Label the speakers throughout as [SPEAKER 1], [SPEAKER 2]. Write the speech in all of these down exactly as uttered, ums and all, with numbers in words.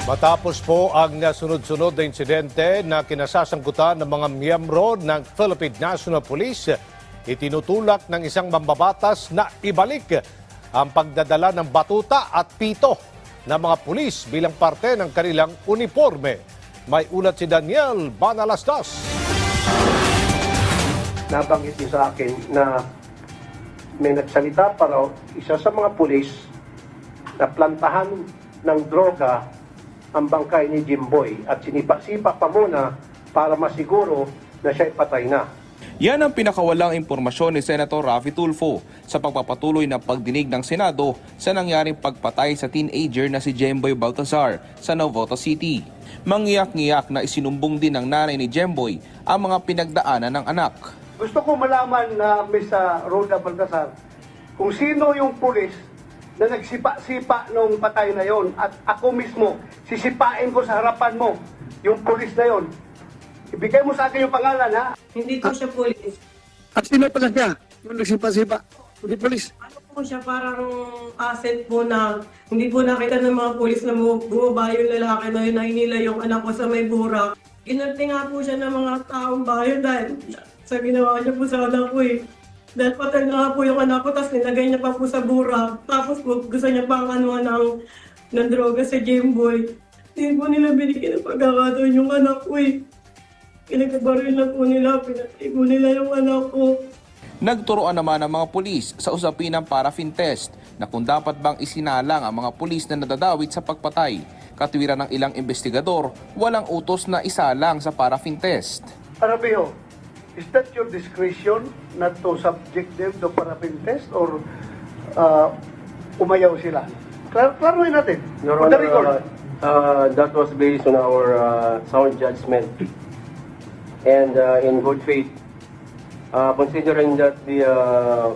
[SPEAKER 1] Matapos po ang sunod-sunod na insidente na kinasasangkutan ng mga miyembro ng Philippine National Police, itinutulak ng isang mambabatas na ibalik ang pagdadala ng batuta at pito ng mga pulis bilang parte ng kanilang uniforme. May ulat si Daniel Banalastas.
[SPEAKER 2] Nabanggit niyo sa akin na may nagsalita pa raw isa sa mga pulis na plantahan ng droga ang bangkay ni Jimboy at sinipa-sipa pa muna para masiguro na siya'y patay na.
[SPEAKER 3] Yan ang pinakawalang impormasyon ni Senator Raffy Tulfo sa pagpapatuloy ng pagdinig ng Senado sa nangyaring pagpatay sa teenager na si Jemboy Baltazar sa Navotas City. Mangiyak-ngiyak na isinumbong din ng nanay ni Jemboy ang mga pinagdaanan ng anak.
[SPEAKER 2] Gusto ko malaman na Miss Rhoda Baltazar kung sino yung pulis na nagsipa-sipa nung patay na yon at ako mismo sisipain ko sa harapan mo yung pulis na yon. Ibigay mo sa akin yung pangalan, ha?
[SPEAKER 4] Hindi po siya pulis.
[SPEAKER 5] At sino pala siya? Yung nagsipa-sipa? Hindi polis?
[SPEAKER 4] Ano po siya, parang asset po na hindi po nakita ng mga pulis na bumaba yung lalaki na yun na hinila yung anak ko sa may burak. Inarte nga po siya ng mga taong bayan dahil sa ginawa niya po sa anak ko eh. Dahil patay na nga po yung anak ko, tapos nilagay niya pa po sa burak. Tapos po gusto niya pang ano ng, ng droga sa Jemboy. Hindi po nila binigyan ng pagkakataon yung anak ko eh. Pinagkabaril na po nila, pinatay po nila yung anak ko.
[SPEAKER 3] Nagturoan naman ang mga pulis sa usapin ng paraffin test na kung dapat bang isinalang ang mga pulis na nadadawit sa pagpatay. Katwiran ng ilang investigador, walang utos na isalang sa paraffin test.
[SPEAKER 2] Arabeo, is that your discretion not to subject them to paraffin test or uh, umayaw sila? Klar klaruhin natin.
[SPEAKER 6] Your
[SPEAKER 2] On the
[SPEAKER 6] Honor,
[SPEAKER 2] record.
[SPEAKER 6] uh, uh, that was based on our uh, sound judgment and uh, in good faith, uh, considering that the uh,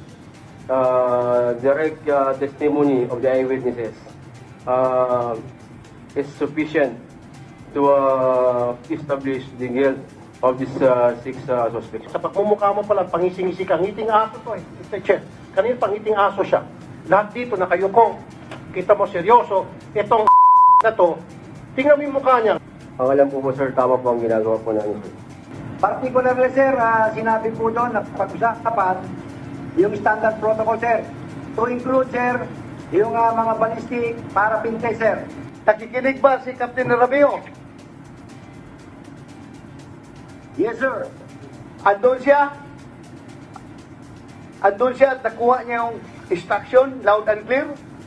[SPEAKER 6] uh, direct uh, testimony of the eyewitnesses uh, is sufficient to uh, establish the guilt of these uh, six uh, suspects.
[SPEAKER 2] Sa pagmumukha mo pala, pangising-isi ka. Ngiting aso to eh. Mister Chair, kanina pangiting aso siya. Lahat dito nakayukong. Kita mo seryoso. Itong na to, tingnan mo yung mukha niya.
[SPEAKER 6] Ang alam po po sir, tama po ang ginagawa po namin.
[SPEAKER 7] Particularly sir, uh, sinabi po doon na pag-usapan yung standard protocol sir. To include sir, yung uh, mga ballistic para pintay sir.
[SPEAKER 2] Nakikinig ba si Captain Arabeo?
[SPEAKER 7] Yes sir.
[SPEAKER 2] Andun siya? Andun siya at nakuha niya yung instruction, loud and clear?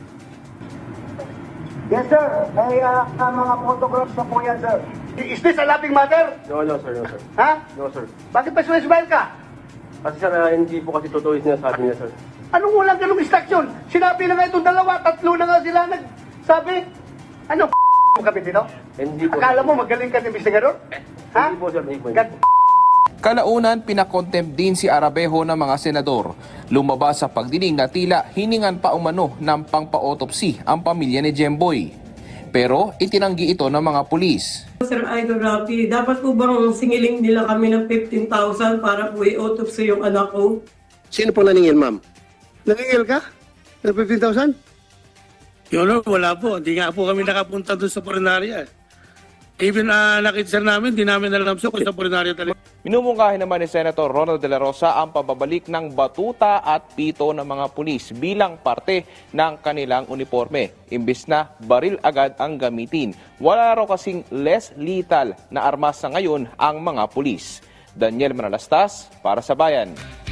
[SPEAKER 7] Yes sir. May uh, uh, mga photographs na po yan sir.
[SPEAKER 2] Is this a laughing matter?
[SPEAKER 6] No, no sir, no sir.
[SPEAKER 2] Ha?
[SPEAKER 6] No sir.
[SPEAKER 2] Bakit pa smile ka?
[SPEAKER 6] Kasi sir, uh, hindi po kasi totoo yung sinasabi niya sir.
[SPEAKER 2] Anong walang ganung instruction? Sinabi na nga itong dalawa, tatlo na nga sila nagsabi. Ano, kami dito?
[SPEAKER 6] Hindi po.
[SPEAKER 2] Akala mo magaling ka ni investigador? Ha?
[SPEAKER 6] Hindi po sir, hindi po.
[SPEAKER 2] God-
[SPEAKER 3] Kalaunan, pinakontempt din si Arabejo ng mga senador. Lumabas sa pagdinig na tila hiningan pa umano ng pangpa-autopsy ang pamilya ni Jemboy. Pero itinanggi ito ng mga pulis.
[SPEAKER 4] Sir Idol Raffy, dapat po bang singiling nila kami ng fifteen thousand para po i-autopsy yung anak ko?
[SPEAKER 5] Sino po naningil, ma'am? Naningil ka? Ng fifteen thousand?
[SPEAKER 8] Yun, no, wala po. Hindi nga po kami nakapunta doon sa Purinarya. Even uh, nakita namin, di namin alam sa kung sa Purinarya talaga.
[SPEAKER 3] Minumungkahi naman ni Senator Ronald De La Rosa ang pababalik ng batuta at pito ng mga pulis bilang parte ng kanilang uniforme. Imbis na baril agad ang gamitin. Wala raw kasing less lethal na armas sa ngayon ang mga pulis. Daniel Manalastas para sa Bayan.